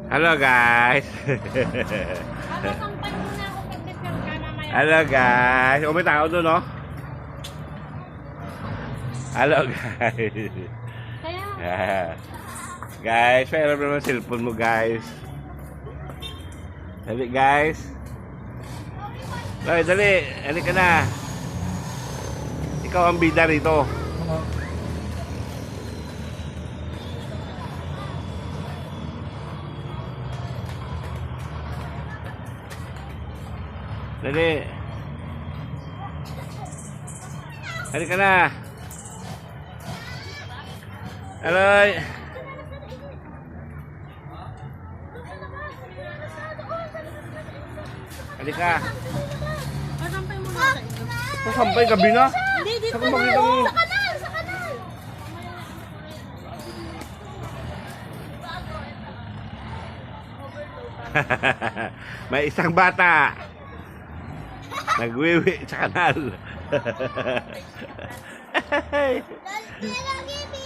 Hello guys. Sasampal muna ako pag-defer ka mamaya. Hello guys. O may tao doon, no? Hello guys. Kaya, Guys, pera naman cellphone mo guys. Dali guys. Dali, dali. Dali ka na. Ikaw ang bida rito. Dali. Dali ka na. Aloy. Dali ka. sasampal muna sa inyo. Sasampay gabi na. Hindi, dito Saka na. makita mo. Sa kanal, sa kanal. May isang bata nagwiwi sa kanal. Lagi,